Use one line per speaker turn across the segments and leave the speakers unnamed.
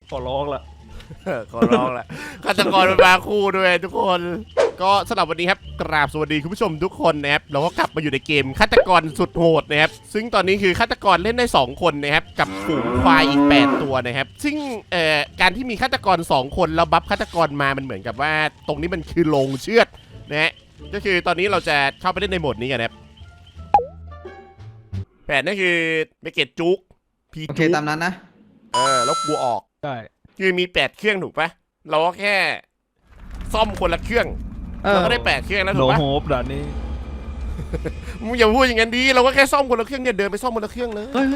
ขอร้องละ
ขอร้องละฆาตกรมาคู่ด้วยทุกคนก็สำหรับวันนี้ครับกราบสวัสดีคุณผู้ชมทุกคนนะครับเราก็กลับมาอยู่ในเกมฆาตกรสุดโหดนะครับซึ่งตอนนี้คือฆาตกรเล่นได้2คนนะครับกับฝูงควายอีก8ตัวนะครับซึ่งการที่มีฆาตกร2คนแล้วบัฟฆาตกรมามันเหมือนกับว่าตรงนี้มันคือโรงเชือดนะฮะก็คือตอนนี้เราจะเข้าไปเล่นในโหมดนี้กันนะครับแผนนั่นคือไปเก็ตจุกพี
โอเค
จุก
ตามนั้นนะ
แล้วกูออก
ได้
คือมี8เครื่องถูกปะเราก็แค่ซ่อมคนละเครื่องเราก็ได้8เครื่องแล้ว
โน
ถูกปะ
โฮปด่านนี้
มึงอย่าพูดอย่างนั้นดีเราก็แค่ซ่อมคนละเครื่องเนี่ยเดินไปซ่อมคนละเครื่องเลย
เฮ้ย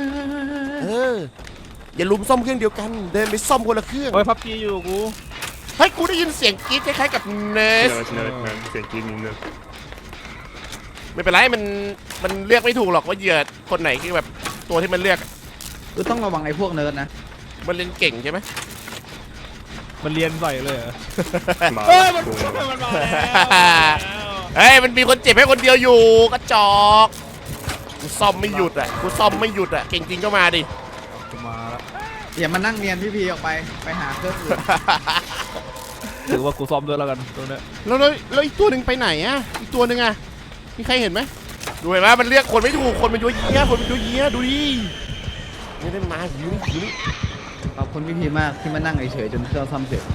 อย่าลุมซ่อมเครื่องเดียวกันเดินไปซ่อมคนละเครื่อง
โอ้ยพับจีอยู่กู
เฮ้ยกูได้ยินเสียงกรี๊ดคล้ายๆกับเนส
เนิร์ดเสียงกินนิดนึง
ไม่เป็นไรมันเลือกไม่ถูกหรอกว่าเหยื่อคนไหนคือแบบตัวที่มันเลือก
คือต้องระวังไอ้พวกเนิร์ดนะ
มันเล่นเก่งใช่ไหม
มันเรียนใส่เลยเหรอ
มา
เฮ้ยมันมาแล้ว
เฮ้ยมันมีคนเจ็บให้คนเดียวอยู่กระจอกกูซ่อมไม่หยุดอ่ะกูซ่อมไม่หยุดอ่ะเก่งจริงก็มาดิ
มาแล้ว
อย่ามานั่งเรียนพี่พีออกไปหาเครื่องอื่น
ถือว่ากูซ้อมด้วยแล้วกันตัวเนี้ย
แล้วอีกตัวหนึ่งไปไหนอ่ะอีกตัวหนึ่งอ่ะมีใครเห็นไหมดูเห็นไหมมันเรียกคนไม่ถูกคนมันยั่วเยี้ยคนมันยั่วเยี้ยดูดิไม่ได้มาหิวหิว
ขอบคุณพี่พีมากที่มานั่งเฉยๆจนเครื่องซ่อมเสร็จ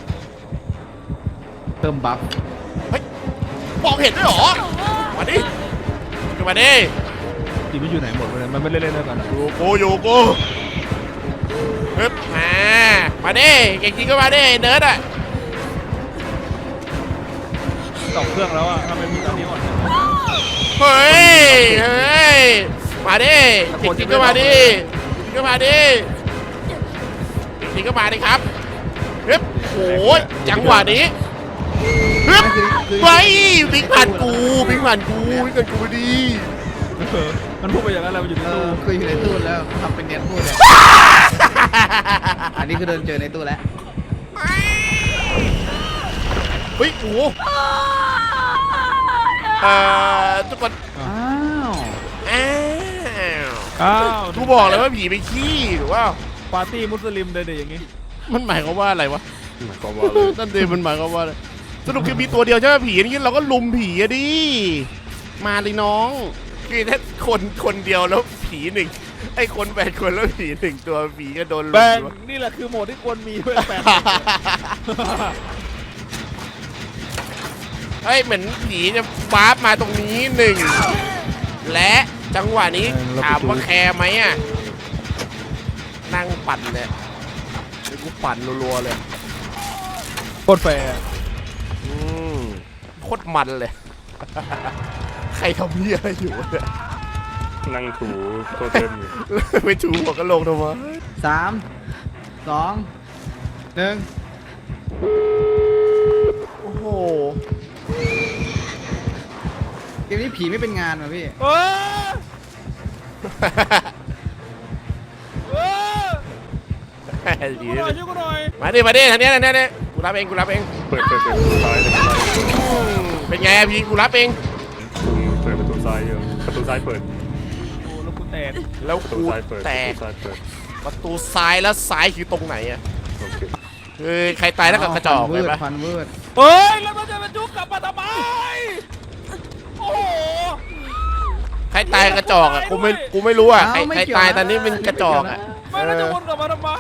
เพิ่มบัฟ
มองเห็นด้วยเหรอมาดิขึ้นมาดิ
ทีมมันอยู่ไหนหมดเลยมันไม่เล่นด้วยกันอะ
อยู่กูฮึบมาดิเก่งจริงก็มาดิเนิร์ดอ่ะ
สองเครื่องแล้วอะทำไมมีตอนนี้หมด
เฮ้ยมาดิเก่งจริงก็มาดิจริงก็มาดิจริงก็มาดิครับฮึบโอ้ยจังหวะนี้ฮึบไปวิ่งผ่านกูวิ่งผ่านกูมาดิ
มันพูดไปอย่างนั้นแล้วมันอยู่ในตู้
คืออยู่ในตู้แล้วทำเป็นเนียนพูดเลยอันนี้คือเดินเจอในตู้แล้ว
เฮ้ยโอ้ทุกคน
อ้าว
อ้าว
กูบอกเลยว่าผีไปขี้หรือว่า
ปาร์ตี้มุสลิมเลยเดี๋ยวอย่างงี้
มันหมายความว่าอะไรวะ
หมายความว่าเลย
นั่นเองมันหมายความว่าอะไรสรุปคือมีตัวเดียวใช่ไหมผีนี่เราก็ลุมผีอะดิมาเลยน้องคือถ้าคนเดียวแล้วผีหนึ่งไอ้คน8 คนแล้วผี1 ตัวผีก็โดนลุ
แบ
ม
งนี่แหละคือโหมดที่ควรมีเพื่อแฟน
เฮ้ยเหมือนผีจะวาร์ปมาตรงนี้1และจังหวะนี้ถามว่าแคร์ไหมอ่ะนั่งปั่นเลยเดี๋ยวกูปั่นรัวๆเลย
โคตรแฟร์
โคตรมันเลย ใครทำเหี้ยอะไรอยู่เนี่ย
นั่งถูโทษเต็มอยู่
ไปถูหัวกะโหลกทำไม
3 2 1
โอ้โห
เกมนี้ผีไม่เป็นงานว่ะพี่
เอ้ยเอ้ย
ดี
ช่วยกูหน่อย
มาดิทางนี้กูรับเอง
เปิดประตูซ้ายเลย
เป็นไงพี่กูรับเอง
เปิดประตูซ้ายเยอะประตูซ้ายเปิด
โอ้แล้วกูแตก
แล้ว
ประตู
กู
ซ้ายเปิด
แตก
ประตูซ้ายเปิด
ประตูซ้ายแล้วซ้ายคือตรงไหนอ่ะ
โอเค
ใครตายแล้วกับกระจอก
ฟัน
เล
วื
ย
ด
ปะ
ฟันวืด
เฮ้ยแล้วมันจะมาจุกกลับมาทำไมโอ้โห
ใครตายกระจอกอ่ะกูไม่รู้อ่ะใครตายตอนนี้เป็นกระจอกอ่ะ
ไม่แล้วจะวนกลับมาทำไม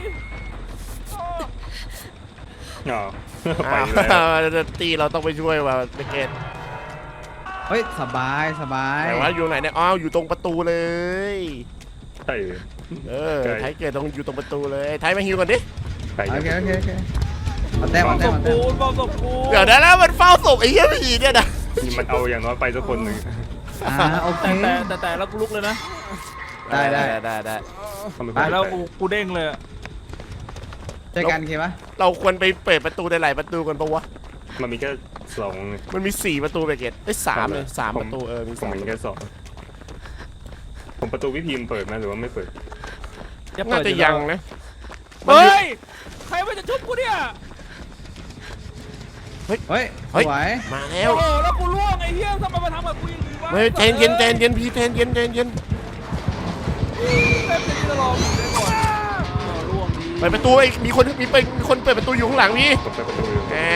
อ๋อไปแล้ว
ตีเราต้องไปช่วยว่ะเบเกต
เฮ้ยสบาย
แต่ว่าอยู่ไหนเนี่ยอ้าวอยู่ตรงประตูเลย
ใช่
ไทยเกิดอยู่ตรงประตูเลยไทยมาฮิวก่อนดิ
ไป
โอเคเอาแต้ม
ศพกูบอกศพกู
เดี๋ยวนะแล้วมันเฝ้าศพไอ้เหี้ยผีเนี่ยนะ
มันเอาอย่างน้อยไปสักคนหนึ่ง
โอเค
แต่แล้วกูลุกเลยนะ
ได้
ทำไม
ไปแล้วกูเด้งเลย
เจอกันโอเคปะ
เราควรไปเปิดประตูในหลายประตูกันปะวะ
มันมีแค่2
มันมี4 ประตูเบเกต3เลย3 ประตูมี
ผมมีแค่2ผมประตูวิธีมเปิดไหมหรือว่าไม่เปิด
น่าจะยังนะ
เฮ้ยใครมันจะชุบกูเนี่ย
เฮ้ยสวย
มาแล้ว
โอ้โหแล้วกูล่วงไอ้เหี้ยทำไมมาทำกับกูอย่างนี้วะ
เฮ้ยใจเย็นพี่ใจเย็น
เต็มจะตลอดเลยก่อนล่วงดี
ปิดประตูมีคนเปิดประตูอยู่ข้างหลังพี่
ผมเปิดประตูอยู่
แหม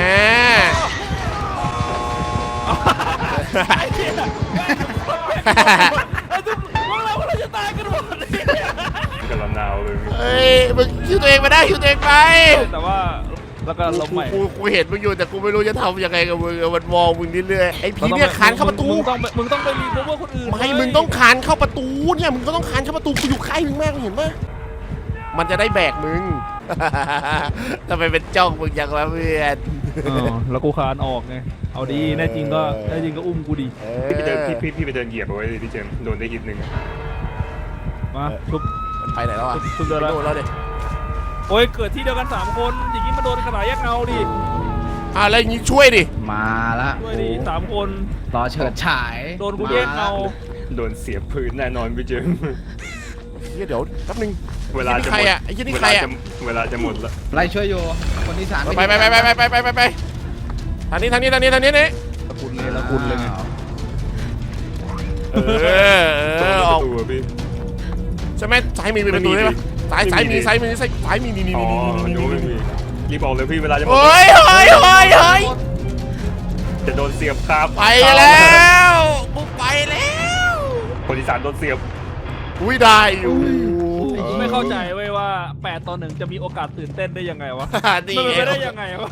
ไอ้เนี่ยพวกเราจะตายกันหมดเลย
กำลังหนาวเลย
เฮ้ยมึงคิวตัวเองมาได้คิวตัวเองไป
แต่ว่าแล้วก็ล้มใหม่
กูเห็นมึงอยู่แต่กูไม่รู้จะทำยังไงกับมึงมันมองมึงเรื่อยๆไอ้พี่เนี่ยคานเข้าประตู
มึงต้องไปรีบว่าคนอื่น
ไม่มึงต้องคานเข้าประตูเนี่ยมึงก็ต้องคานเข้าประตูกูอยู่ใกล้มึงมากเห็นปะมันจะได้แบกมึง ทำไมเป็นจ้องมึงอย่างวะเพื่อน
แล้วกูคานออกไงเอาดีแน่จริงก็อุ้มกูดี
พี่ไปเดินพี่ไปเดินเหยียบเอาไว้เลยพี่เจมส์โดนได้ฮิตหนึ่ง
มาชุบ
มันไปไหนแล้วอ่ะ
ชุบเดินแล้ว
โดนแล้วดิ
โอ้ยเกิดที่เดียวกัน3คนอย่างนี้มันโดนขนาดแยกเงาดิ
แล้วอย่างงี้ช่วยดิ
มาละ
ด้วยดิ3คน
รอเฉิดฉาย
โดนกูแยกเงา
โดนเสียบพื้นแน่นอนพี่เจมส์
เดี๋ยวแป๊บนึง
เวลาจะ
ใค
ห
ร
มด
อ่ะไอ้ยี่นี่ใครอ่ะ
เวลาจะหมดแล้ว
ไล่ช่วยโยคนที่สาม
ไปทางนี้นี่
ละกุลเลยไง
เออออก
ประตูพี่
ใช่ไหมซ้ายมีเป็นประตูใช่ปะซ้ายมีนี่
อ๋อดูไม่มีรีบออกเลยพี่เวลาจะหมด
เฮ้ย
จะโดนเสียบครับ
ไปแล้วกูไปแล้ว
คนที่สามโดนเสียบ
อุ้ยได้อยู่
กูไม่เข้าใจเว้ยว่า8-1จะมีโอกาสตื่นเต้นได้ยังไงวะ
นี่
มันเป็นไปได้ยังไงวะ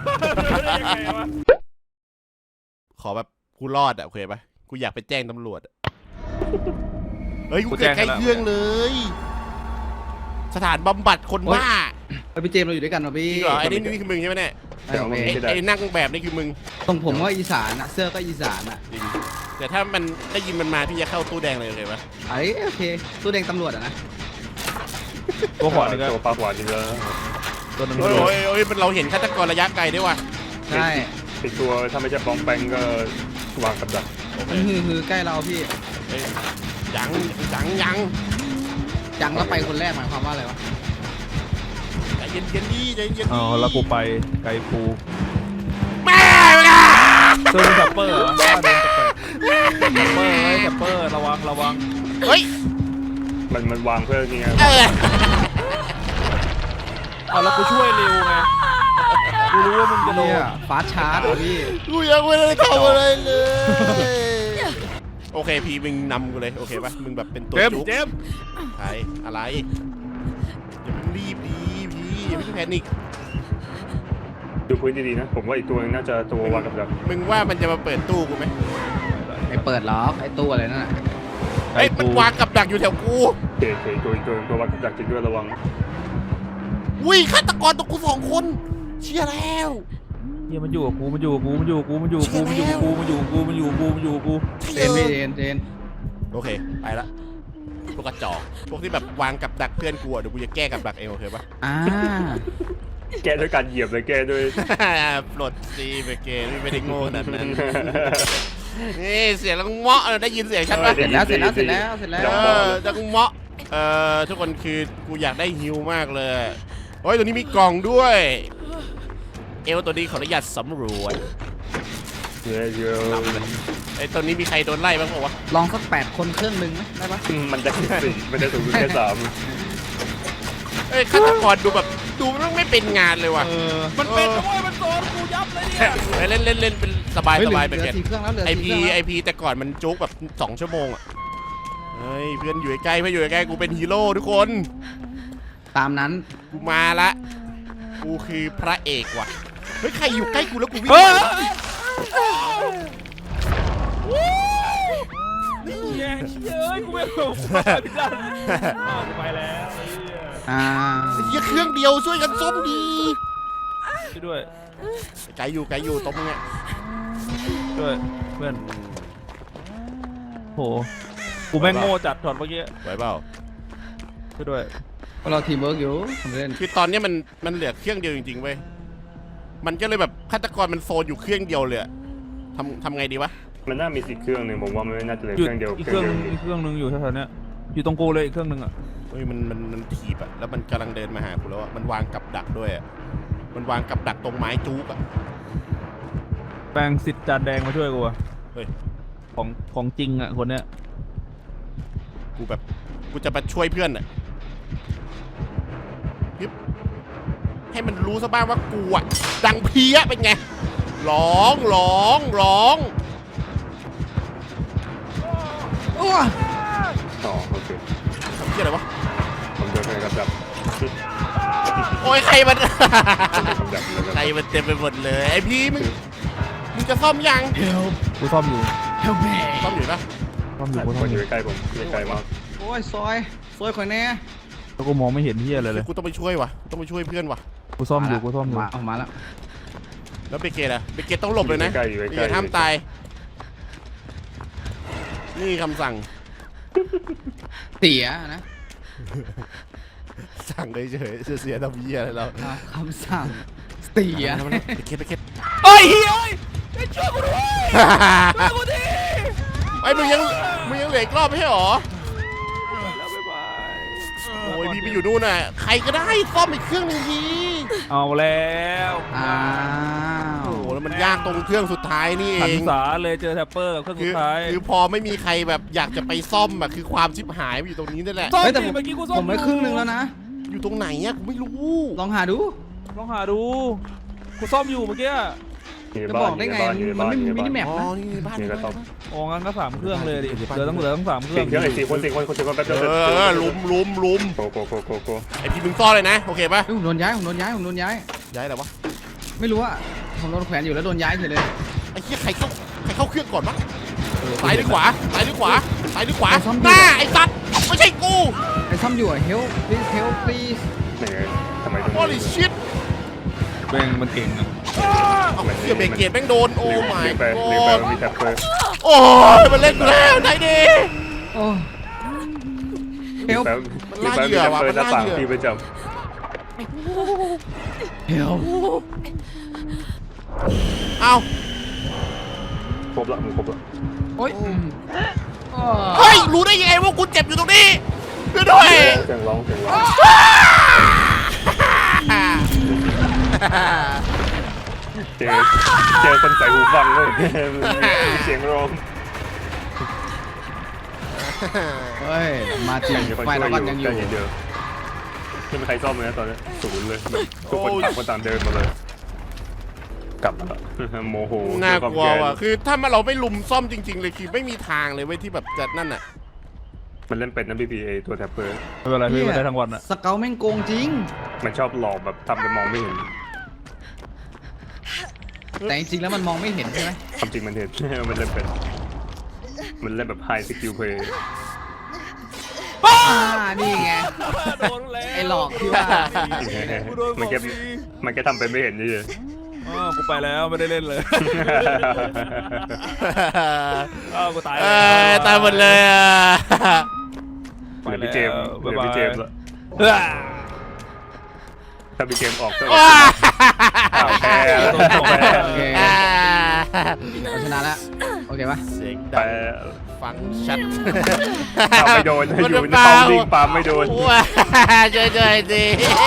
ขอแบบกูรอดอ่ะโอเคปะกูอยากไปแจ้งตำรวจเฮ้ยกูเกิดใกล้เครื่องเลย สถานบำบัดคนบ้า
พี่เจมส์เราอยู่ด้วยกันเหรอพี่
จริงเหรอไอ้นี่คือมึงใช่ไหมเนี่ย
ไอ้เว้ย
ไอ้นั่งแบบนี่คือมึง
ตรงผมว่าอีสานอะเสื้อก็อีสานอะ
จริงแต่ถ้ามันได้ยินมันมาพี่จะเข้าตู้แดงเลยโอเคปะ
ไอ้โอเคตู้แดงตำรวจอะนะ
ตัวขวานี่ก็
ตัวปลาขวานี่แล้ว
ตัวนึง
โอ้ยมันเราเห็นฆาตกรระยะไกลด้วยว่ะ
ใช่
ติดตัวถ้าไม่ใช่ปองแปงก็วางกับดัก
มันฮือใกล้เราพี่
เฮ้ยยัง
จังแล้วไปคนแรกหมายความว่าอะไรวะ
ใจเย็นดีใจเย็น
อ๋อแล้วกูไปไกลปู
แม่
โดนแซปเปอร์เหรอโดนแซปเปอร์แซปเปอร์ระวัง
เฮ้ย
มันวางเพื่อนี่ไง
เอาแล้วกูช่วยเร็วไงกูรู้ว่ามึงจะโดน
เนี่ยฟาสชาร์จเหรอพี่
กูยังไม่ได้ทำอะไรเลยโอเคพี่มึงนำกูเลยโอเคปะมึงแบบเป็นตัวจุ๊ก
เจมส์
ใครอะไรอย่าเพิ่งรีบดีพี่อย่าเพิ่งแพนิค
ดูพื้นดีๆนะผมว่าอีกตัวนึงน่าจะตัววางกับดัก
มึงว่ามันจะมาเปิดตู้กูไหม
ไอ้เปิดล็อกไอ้ตู้อะไรนั่นน่ะ
เฮ้ยมันวางกับดักอยู่แถวกู
เก๋ตัววางกับดักจริงด้วยระวัง
อุ้ยฆาตกรตัวกู2 คนเชี่ยแล้ว
เฮียมันอยู่กับกู
เจนพี่เจน
โอเคไปละพวกกระจอกพวกที่แบบวางกับดักเพื่อนกูอะเดี๋ยวกูจะแก้กับดักเองโอเคปะ
แก้ด้วยการเหยียบเลยแก้ด้วย
ปลดซีไปเกมไม่ได้โง่ขนาดนั้นนี่เสียงลังเมาะได้ยินเสียงชัดปะ
เสร็จแล้ว
จังเมาะทุกคนคือกูอยากได้ฮิวมากเลยโอ้ยตัวนี้มีกล่องด้วยเอลตัวนี้ขออนุญาตสำรวจ
เยอะ
ไอ้ตัวนี้มีใครโดนไล่บ้างเปล่าวะ
ลองสัก8 คนเครื่องนึงไหมได้ปะ
มันจะสี่มันจะสูงสุดแค่3
เอ้ยฆาตกรดูแบบดูมันไม่เป็นงานเลยว่ะ
มันเป็นด้วยมันโดนกูยับเลยเนี่ย
เล่นเป็นสบาย
เฮ้ย
สบาย
เห
ไป
ลื
เก
อ
ต
4 เครื่องแล้วเหลือ
ไอ
4 เค
พี
รื่องแล้ว
ไอพีแต่ก่อนมันจุกแบบ2 ชั่วโมงอ่ะเฮ้ยเพื่อนอยู่ใกล้เพื่อนอยู่ใกล้กูเป็นฮีโร่ทุกคน
ตามนั้น
กูมาละกูคือพระเอกว่ะเฮ้ยใครอยู่ใกล้กูแล้วกูวิ่ง
เย้ยกูไม่รู้พี่ดันไปแล้ว
เหี้ยเครื่องเดียวช่วยกันส้มดี
ช่วยด้วย
ไกลอยู่ตรงเนี้ย
ด้วยเพื่อนโหกูแม่งโง่จัดถอดเมื่อกี้
ไหวเปล่า
ช่วยด้วย
เราทีมเวิร์กอยู่ทำเล่น
คือตอนนี้มันเหลือเครื่องเดียวจริงๆเว้ยมันก็เลยแบบฆาตกรมันโซนอยู่เครื่องเดียวเลยทำไงดีวะ
มันน่ามีสิเครื่องหนึ่งผมว่ามันน่าจะเหลือ
หยุด
เครื่องเดียว
อีกเครื่องนึงอยู่แถวๆเนี้ยอยู่ตรงกูเลยอีกเครื่องนึงอ่ะ
เฮ้ยมันถีบอะแล้วมันกำลังเดินมาหากูแล้วอะมันวางกับดักด้วยอะมันวางกับดักตรงไม้จุกอะ
แปลงสิทธิ์จานแดงมาช่วยกูอ่ะ
เฮ้ย
ของจริงอ่ะคนเนี้ย
กูจะมาช่วยเพื่อนอะให้มันรู้ซะบ้างว่ากูอะดังเพี้ยเป็นไงร้องร้องร้อง
โอ้
อ๋อโอเค
ทำเพี้ยอะไรวะ
ผมเดินไปกับดับ
โอ้ยใครมัน
กับดับแล้ว
ใคร
ก็
มันเต็มไปหมดเลยไอพี่มึงจะซ่อมยัง
กูซ่อมอยู่
help me
ซ่อมอยู่ปะ
ซ่อมอยู่
ค
กูซ่อม
น
อ
อยู่ ยู่ใกล้ผมไม่ไกลมาก
โอ้ยซอยข่อยแน่
แล้วกูมองไม่เห็นที่อะไรเลย
กูต้องไปช่วยวะต้องไปช่วยเพื่อนวะ
กูซ่อมอยู่กูซ่อมอยู่
ออกมาแล้ว
แล้วเบเกตอะเบเกตต้องหลบเลยนะ
ใกล้อยู่
อ
ใกล้
ย่าห้ามตายนี่คำสั่ง
เสียนะ
สั่งเฉยๆเสียๆทำเหี้ยอะไรเรา
เอาคำสั่งเสีย
เบเกตเอ้ยเฮ้ย
ช่วยกูด้วยช่วยกูที
ไอ้มึงยังเหลืออีกรอบไม่ใช่หรอ
แล้วบ๊ายบาย
โอ้ยพี่ไปอยู่นู่นน่ะใครก็ได้ซ่อมอีกเครื่องหนึงที
เอาแล้ว
อ้าว
โอ้โหแล้วมันยากตรงเครื่องสุดท้ายนี่เอ
หัน
ง
ษาเลยเจอแท็ปเปอร์กับเครื่อง
คื
สุ
อ
ดท้าย
คือพอไม่มีใครแบบอยากจะไปซ่อมอะคือความชิบหายมันอยู่ตรงนี้นั่นแหละ
ซ่อม
เฮ้ยแต่
ดิเมื่อกี้กูซ่อม
ผมไปครึ่งหนึงแล้วนะ
อยู่ตรงไหนอะกูไม่รู้
ลองหาดู
ลองหาดูกูซ่อมอยู่เมื่อกี้
อยู่ใน
จะ
บ้า
บอน ก
อ
ได้
ยู่ใน
ไง
บ้านอยู่ใน
มัน
บ้าน
ไม่
อยู่
มี
ใน
มินิแม
บ้าน
ป
อ๋อ
นะ
นี่บ้าน
นี่ก็ซ่อม
โอ้งั้นก็3 เครื่องเลยดิ
เดี๋ยว
เหลือต้อง3 เครื่
สี่
อง
เครื่องไอ้4 คนแป๊บเดียว
ลุม
โก
ไอพี่มึงซ่อนเลยนะโอเคปะ
เฮ้ยผมโดนย้าย
ย้ายอะไรวะ
ไม่รู้อะผมโดนแขวนอยู่แล้วโดนย้ายเฉยเลย
ไอ้เหี้ยใครเข้าเครื่องก่อนวะซ้ายหรือขวาซ้ายหรือขวาซ้ายหรือขวา
ซ่อม
หน้าไอ้สัตว์ไม่ใช่กู
ไอ้ซ่อมอยู่อะ help please
นี่ไงทำไม
โอ้ยชิต
แม่งมันเก่งอะ
เอาเหี้ยเบรกเกตแม่งโดนโอ้ my
เรียกไป
god
มีแท็บเปอร์
โอ้ยมันเล่นกูแล้วไหนดี
โอ้
เรียก
help
ไปมีแท็บเปอร์หน้าต่างที่ประจ
help
เอา
ำครบละมึงครบละ
โอ้ยอ้อ
เฮ้ยรู้ได้ยังไงว่ากูเจ็บอยู่ตรงนี้ช่วยด้วย
เสียงร้องเจอคนใส่หูฟังเลยมีเสียงร้อง
เฮ้ยมาจริง
มีคน
ไฟ
ช่วย
แล้ว
อ
ก็
ยู่
ยังอ
ใจ
ยู่
เย็นๆไม่มีใครซ่อมเลยนะตอนนี้ศูนย์เลยแบบทุกคนต่างคนต่างเดินมาเลย กลับมาละโมโห
น่ากลัวว่ะคือถ้าเราไม่ลุมซ่อมจริง ๆ เลยคือไม่มีทางเลยเว้ยที่แบบจะนั่นน่ะ
มันเล่นเป็นนะพี่พีเอตัวแท็บเปอร์
ไม่เป็นไรพี่มาได้ทั้งวันอะ
สเกลแม่งโกงจริง
มันชอบหลอกแบบทำเป็นมองไม่เห็น
แต่จริงๆแล้วมันมองไม่เห็นใช่ไหม
ความจริงมันเห็น มันเล่นเป็น มันเล่นแบบไฮสกิลเพย์
นี่ไง
โดนแล้ว
ไอ้หลอกที่ว่า
กูโดน
มันแค่
สองที
มันแค่ทำเป็นไม่เห็นนี่เอง
กูไปแล้วไม่ได้เล่นเลยกูตาย
ตายหมดเลยอ่ะ
เหลือพี่เจมส์เหลือพี่เจมส์ละถ้าพี่เจมส์ออกก็
ว้า
อ้าวแพ้แพ้
โอเคเราชนะแล้วโอเคปะ
เสียง
แพ้
ดังฟังชัด
อ้าวไม่โดนอยู่ในเป้าลิงปาไม่โดน
ว้าช่วยๆดิ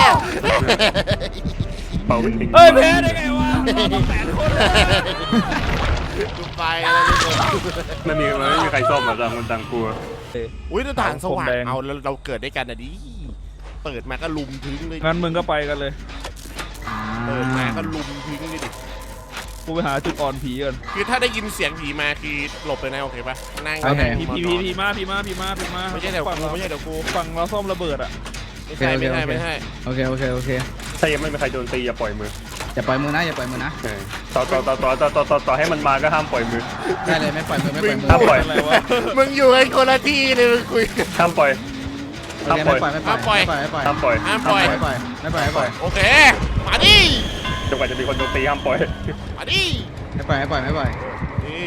เป้าเป็นลิง
เฮ้ยแพ้ได้ไงวะต้อง8 คนเลย
กูไปแล้วทุกคน
ไม่มีใครซ่อมอ่ะต่างคนต่างกลัว
อุ้ยหน้าต่างสว่าง
ผมแดง
เอาแล้วเราเกิดด้วยกันอ่ะดิเปิดมาก็ลุมทิ้งเลย
งั้นมึงก็ไปกันเลย
เปิดมาก็ลุมทิ้งเลยดิ
กูไปหาจุดอ่อนผีก่อน
คือถ้าได้ยินเสียงผีมาคือหลบเลยนะโอเคปะนั่ง
โอเค
ผีมา
ไม่ใช่เดี๋ยว
ฝั่ง
กูไม่ใช่เดี๋ยวกู
ฝั่งเราซ่อมระเบิดอะ
ไม่ใช่ไม่ใช่ไม่ใช่
โอเค
ถ้ายังไม่มีใครโดนตีอย่าปล่อยมือ
อย่าปล่อยมือนะอย่าปล่อยมือนะ
ต่อให้มันมาก็ห้ามปล่อยมือ
ได้เลยไม่ปล่อยมือไม่ปล่อยมือ
ห้ามปล่อย
อะไรวะ
มึงอยู่กันคนละที่เลยมึงคุย
ห้ามปล่อย
โอเคไม่ปล่อยไม่ปล่อยไม่ปล่อย
ห้ามปล่อย
ห้ามปล่อย
ไม่ปล่อยไม่ปล่อยไม่ปล่อย
โอเคมาดิ
จนกว่าจะมีคนโดนตีห้ามปล่อย
มาดิ
ไม่ปล่อยไม่ปล่อยไม่ปล่อย
นี่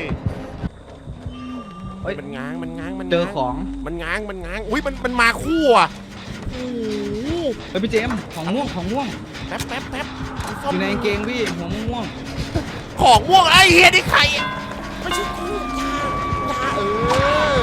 เฮ้ย
มันง้างมันง้างมัน
เจอของ
มันง้างอุ้ยมันมาคู่อ่ะโอ้โห
เฮ้ยพี่เจมส์ของม่วง
แป๊บ
อยู่ในกางเกงพี่หัวม่วง
ของม่วงไอ้เฮียนี่ใครอ่ะไม่ใช่กูจ้าเออ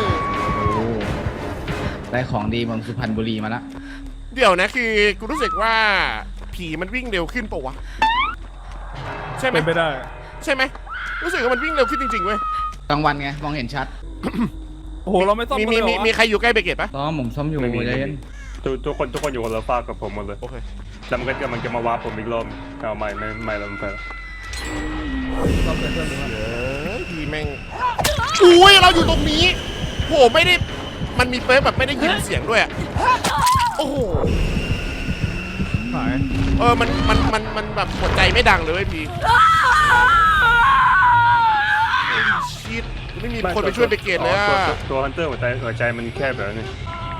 ได้ของดีเมืองสุพรรณบุรีมาละ
เดี๋ยวนะคือกูรู้สึกว่าผีมันวิ่งเร็วขึ้นปะวะใช่ไหม
เป็นไปได้
ใช่ไหมรู้สึกว่ามันวิ่งเร็วขึ้นจริงๆเว้ย
กลางวันไงมองเห็นชัด
โอ้โหเราไม่ซ่อม
มี
กันเลยเหรอวะ
ใครอยู่ใกล้เบเกตปะ
ต้อมผมซ่อมอยู่
ไม่มี
ใจเย็น
ทุกคนอยู่คนละฝากกับผมหมดเลย
โอเค
แล้วมันก็กำลังจะมาวาร์ปผมอีกรอบเอาไม่แล้วมันไปแล้ว
ต้องเป็นเพื่อนหรือเปล่า
พี่แม่งอุ้ยเราอยู่ตรงนี้โหไม่ได้มันมีเปิร์กแบบไม่ได้ยินเสียงด้วยอะโอ้โห
หาย
มันแบบหัวใจไม่ดังเลยเว้ยพี่ชิดไม่มีคนไปช่วยไปเกตเลยอะ
ตัวฮันเตอร์หัวใจมันแค่แบบนี้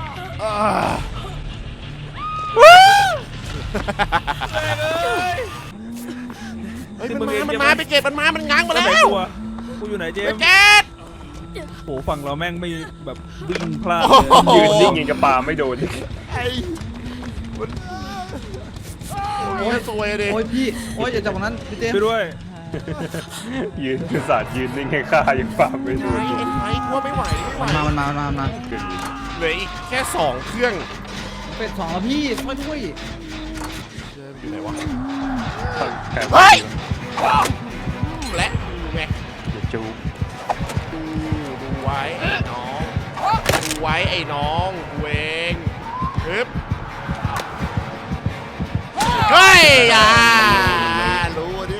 เฮ้ยมันมาไปเกตมันง้างมา
แล้ว
แล้ว
กูอยู่ไหนเจ
ไป
มส์
เกต
โหฝั่งเราแม่งไม่แบบวิ่งพลาด
โอ้โห
ยืนนิ่งยิงกระปาไม่โดน
ไอ้มันโอ้ยสวยดิ
โอ้ยพี่โอ้ยอย่าจับตรงนั้นพี่เจม
ไปด้วย
ยืนศาสตร์ยืนนิ่งให้ฆ่ายังปาไม่โด
ไอ้
น
เอ็นไฟกลัวไม่ไหว
มันมา
เหลืออีกแค่2เครื่อง
เป็ดสองแล้วพี่ช่วยด้วย
อยู่ไหนวะ
แค่
เฮ้ยและดูไง
จู
ดูไว้ไอ้น้องดูไว้ไอ้น้องเวงฮึบเฮ้ยรู้ดิ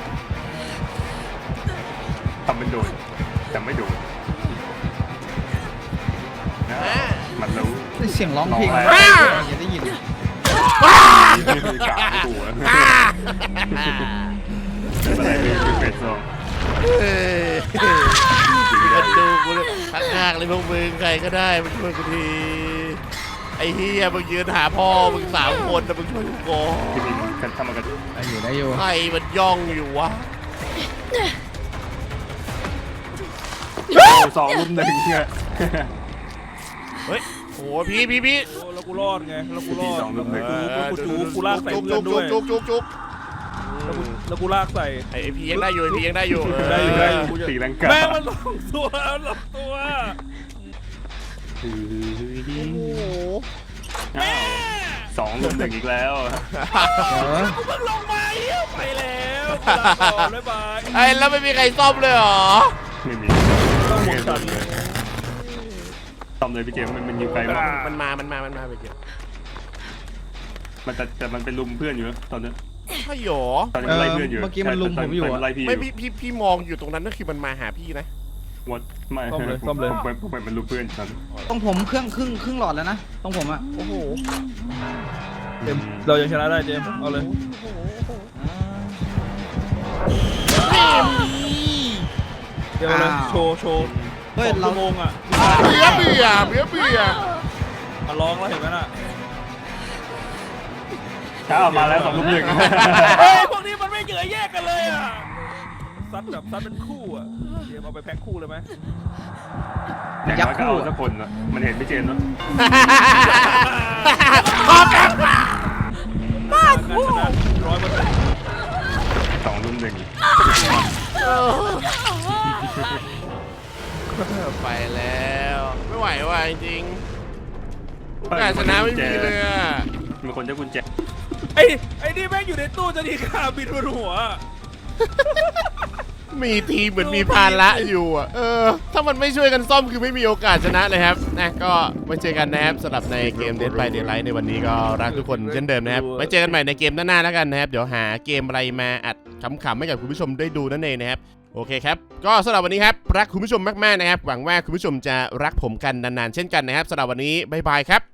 ทำเป็นโดนแต่ไม่โดนนะมันรู้
เสียงร้องเพลง
ร้อง
อ
อะไร
ย่าได้ยิน
กาหัวอะไรเป็นเฟสซอง
เฮ้ยมาดูกูเลยข้างๆเลยพวกมึงใครก็ได้มาช่วยกูทีไอ้เฮียมึงยืนหาพ่อมึง3 คนแต่มึงช่วยกูก่อน
ที่มีกันทำมากัน
ได้อยู่
ใครมันย่องอยู่วะ
2 รุ่ม 1เนี่ย
เฮ้ยโอ้พี่
โอ้แล้วกูรอดไงแล้วกูรอด
สองลูกหนึ่ง
กูจูกูลากใส่เพื่อนด้วย
จุก
แล้วกูลากใส่
ไอ้พี่ยังได้อยู่ไอ้พี่ยังได้อยู่
ได้อยู่ได้อยู่
ตีลังกา
แม่งมันลงตัวลงตัว
โอ้โห
อ้าว2 รุ่ม 1อีกแล้ว
กูเพิ่งลงมาเหี้ยไปแล้วลาก่อนบ๊ายบาย
ไอ้แล้วไม่มีใครซ่อมเลยเหรอ
ไม่มี
ต้องหมดฉัน
ทำเลยพี่เจมส์มันอยู่ไกลมาก
มันมาไปเก็บ
มันแต่มันเป็นลุมเพื่อนอยู่นะตอนนี้
ใช่หรอ
ตอนนี้ไล่เพื่อนอยู่
เมื่อกี้มันลุมผมอยู่
ไล่พี่อ
ไม่
ยู่
พี่มองอยู่ตรงนั้นนั่นคือมันมาหาพี่นะ
วดไม่ผมเป็นลุมเพื่อนฉัน
ต้องผมเครื่องหลอดแล้วนะต้องผมอ่ะ
โอ้โห
เจมส์เรายังชนะได้เจมส์เอาเลยเดี๋ยวเลยโชว์
เฮ้ย
2
เรา
ชั่วโมงอ่ะ
เบื่อ
มาร้องแล้วเห็นไหมน่ะ
ถ้าเอามาแล้ว2 รุ่ม 1
เฮ้ยพวกนี้มันไม่เหยื่อแยกกันเลยอ่ะซัดเป็นคู่อ่ะเจมส์เอาไปแพ็คคู่เลยไหม
อย่างน้อยก็เอาสักคนนะมันเห็นพี่เจมส์เนาะ
ขอบคุณ
บ้าคู่100%
2 รุ่ม 1
ไปแล้วไม่ไหวว่ะจริงๆโอกาสชนะไม่มีเลยอะ
มีคนจะกุญแจ
ไอ้นี่แม่งอยู่ในตู้จะดีขาบินบนหัว
มีทีมเหมือนมีภาระอยู่อ่ะถ้ามันไม่ช่วยกันซ่อมคือไม่มีโอกาสชนะเลยครับนะก็ไว้เจอกันนะครับสำหรับในเกม Dead by Daylight ในวันนี้ก็รักทุกคนเช่นเดิมนะครับไว้เจอกันใหม่ในเกมหน้าๆแล้วกันนะครับเดี๋ยวหาเกมอะไรมาอัดขำๆให้กับคุณผู้ชมได้ดูนั่นเองนะครับโอเคครับก็สำหรับวันนี้ครับรักคุณผู้ชมมากๆนะครับหวังว่าคุณผู้ชมจะรักผมกันนานๆเช่นกันนะครับสำหรับวันนี้บ๊ายบายครับ